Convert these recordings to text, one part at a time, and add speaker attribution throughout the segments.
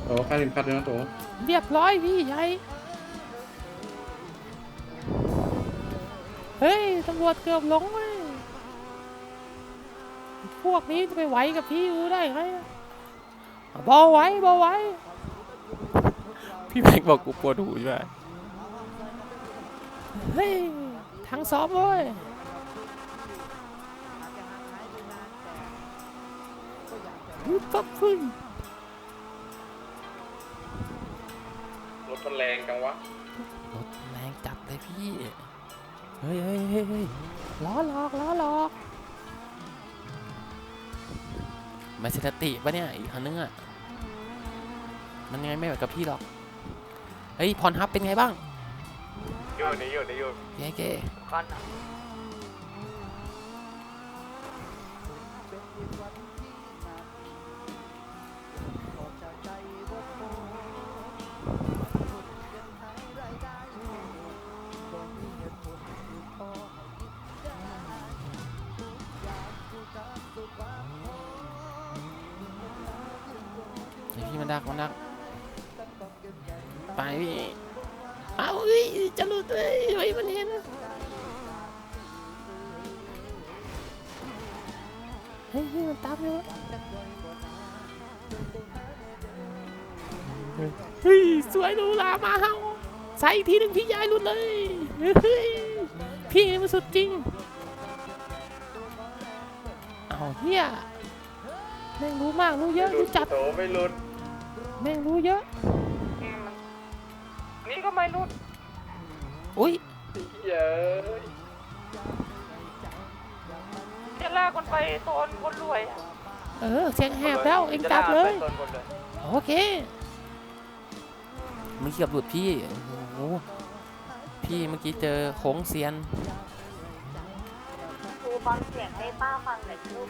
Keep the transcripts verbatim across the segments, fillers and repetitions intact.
Speaker 1: โอ้ค่าเข็มขัดด้วยนะโต
Speaker 2: เรียบร้อยพี่ใหญ่เฮ้ยตำรวจเกือบหลงเลยพวกนี้จะไปไหวกับพี่อูได้ไงเบาไว้เบาไว้
Speaker 3: พี่แม็กบอกกูปวดหูใช่ไหม
Speaker 2: เฮ้ยทางสอบเว้ยปั๊บพึ่ง
Speaker 1: รถมันแรงจังวะ
Speaker 3: รถแรงจัดเลยพี่
Speaker 2: เฮ้ยเฮ้ยเฮ้ยเฮ้ยล้อหลอกล้อหลอก
Speaker 3: ไม่เสติปะเนี่ยอีกคันนึงอ่ะมันยังไงไม่แบบกับพี่หรอกเฮ้ยพรฮับเป็นไงบ้าง
Speaker 4: อยู่นี่อยู่นี่อยู่
Speaker 3: เก๋เก๋
Speaker 4: คันอ่ะ
Speaker 3: พี่มันดักมันดักไปพี่เอาเฮ้ยจะหลุดเลยเฮ้ยมันเห็น
Speaker 2: เฮ้ยมันตามเลยวะเฮ้ยสวยดูลามาเฮาใส่อีกทีหนึ่งพี่ยายหลุดเลยเฮ้ยพี่นี่มันสุดจริงเอาเฮียแม่งรู้มากรู้เยอะรู้จัด
Speaker 1: โตไม่หลุด
Speaker 2: แม่งรู้เยอะ
Speaker 4: นี่ก็ไม่รุด
Speaker 3: อุ้ย
Speaker 1: เยอะ
Speaker 4: จะลากคนไปโซนคนรวย
Speaker 2: เออเสียงแหบแล้วเอ็งจับเลยโอเค
Speaker 3: เมื่อกี้กับหลุดพี่โอ้โหพี่เมื่อกี้เจอโค้งเซียน
Speaker 5: ครูฟังเสียงให้ป้าฟังหน่อยลูก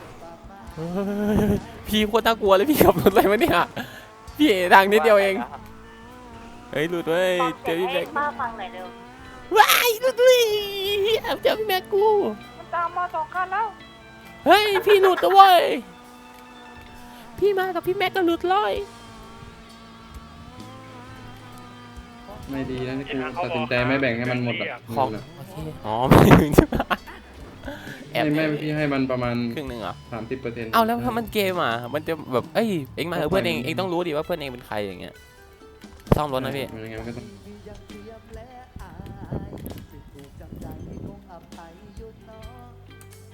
Speaker 3: พี่โคตรน่ากลัวเลยพี่ขับรถอะไรมาเนี่ยพี่ทางนิดเดียวเองเฮ้ยหลุดเว้ยเจอพี่แม็ก
Speaker 5: ป้าฟังหน่อยเร็ว
Speaker 2: ว้ายหลุดด้วยเจอพี่แม็กกู
Speaker 4: มันตามมาสองคันแล้ว
Speaker 2: เฮ้ยพี่หลุดตัวเว้ยพี่มากับพี่แม็กก็หลุดเลย
Speaker 1: ไม่ดีนะกูตัดสินใจไม่แบ่งให้มันหมดอ่ะ
Speaker 3: ของโอเคอ๋อไม่ถึงใช่ไหม
Speaker 1: แอบไม่พี่ให้มันประมาณ
Speaker 3: ครึ่งหนึ่งเหรอ
Speaker 1: สามสิบเปอร์เซ็นต์
Speaker 3: เอาแล้วถ้ามันเกมอ่ะมันจะแบบเอ้ยเอ็งมาเพื่อนเองเอ็งต้องรู้ดิว่าเพื่อนเองเป็นใครอย่างเงี้ยซ่อมรถนะพี่
Speaker 1: ยังไงมันก็ต้อง